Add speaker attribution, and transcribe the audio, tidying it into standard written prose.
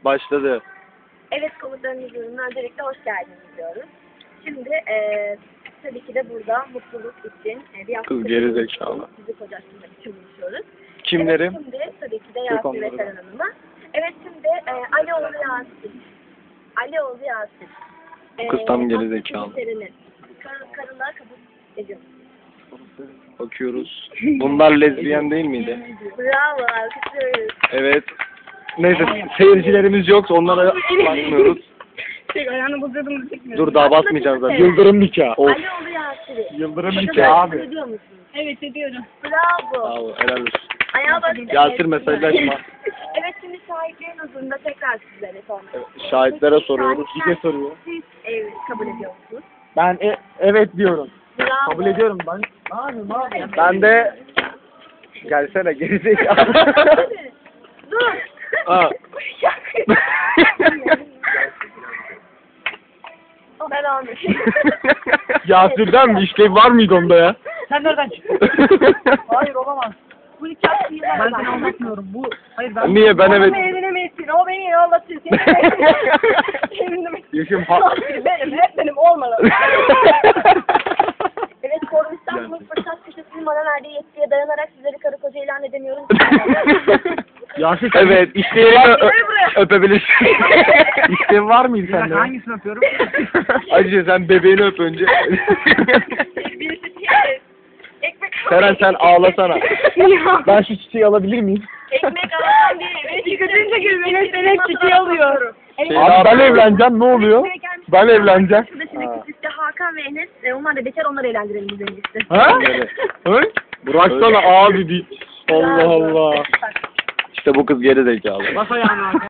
Speaker 1: başladı.
Speaker 2: Evet, komutanın huzuruna öncelikle hoş geldiniz diyoruz. Şimdi tabii ki de burada mutluluk için bir hafta
Speaker 1: Kız geri zekalı.
Speaker 2: fizik hocasıyla için buluşuyoruz.
Speaker 1: Kimlerim?
Speaker 2: Evet, şimdi tabii ki de Yasin ve Seren Hanım'a. Evet, şimdi Alioğlu Yasin. Alioğlu Yasin.
Speaker 1: Kız tam geri zekalı.
Speaker 2: Karılığa kabul ediyorum.
Speaker 1: Bakıyoruz. Bunlar lezbiyen değil miydi?
Speaker 2: Bravo, alkışlıyoruz.
Speaker 1: Evet. Neyse seyircilerimiz yoksa onlara bakmıyoruz.
Speaker 2: Ayağını bozuyordum da çekmiyorum.
Speaker 1: Dur daha basmayacağız zaten.
Speaker 3: Yıldırım nikahı.
Speaker 1: Of.
Speaker 2: Alioğlu Yasin.
Speaker 3: Yıldırım
Speaker 2: Hocam,
Speaker 3: nikahı abi.
Speaker 2: ediyor musunuz?
Speaker 4: Evet ediyorum.
Speaker 2: Bravo.
Speaker 1: Bravo, helal olsun.
Speaker 2: Ayağa bak.
Speaker 1: Yasir mesajlaşma.
Speaker 2: Evet, şimdi şahitlerin huzurunda tekrar sizlere sormak istiyorum.
Speaker 1: Şahitlere soruyoruz.
Speaker 3: Bir de soruyor.
Speaker 2: Siz kabul ediyor musunuz?
Speaker 3: Ben evet diyorum.
Speaker 2: Bravo.
Speaker 3: Kabul ediyorum ben. Ne yapayım abi?
Speaker 1: Ben de gelsene gerizekalı.
Speaker 2: Dur.
Speaker 1: Aa.
Speaker 2: Ben almış.
Speaker 1: Yasir'den mi? İşlev var mıydı onda ya?
Speaker 4: Sen nereden çıktın?
Speaker 3: Hayır olamaz.
Speaker 2: Bu nikah değil.
Speaker 3: Ben seni aldatmıyorum. Bu hayır ben.
Speaker 1: Niye ben evet.
Speaker 2: Evlenemezsin. O beni aldatır.
Speaker 1: Yaşım
Speaker 2: Benim. Hep benim olmalı. Evet, Forum İstanbul'un fırsat köşesinin bana verdiği yetkiye dayanarak sizleri karı koca ilan edemiyorum.
Speaker 3: Yasir
Speaker 1: Evet, işlerini öpebilirsin. İşlev var mıydı
Speaker 3: Bir dakika,
Speaker 1: sende?
Speaker 3: hangisini öpüyorum?
Speaker 1: Acı sen bebeğini öp önce.
Speaker 2: Birisi çiğ. Ekmek
Speaker 1: Seren sen ağlasana. Ben şu çiçeği alabilir miyim?
Speaker 2: Ekmek alan biri. Yıkatınca gözüme senin çiçeği alıyor.
Speaker 3: Abi ben evleneceğim ne oluyor? Ben evleneceğim.
Speaker 2: Şurada şimdiki çifte Hakan ve Enes. Onlar da bekar, onları eğlendirelim biz en iyisi.
Speaker 3: Ha? Hı? Bıraksana abi bir. Allah Allah.
Speaker 1: İşte bu kız geri zekalı.
Speaker 3: Bas ayağını abi.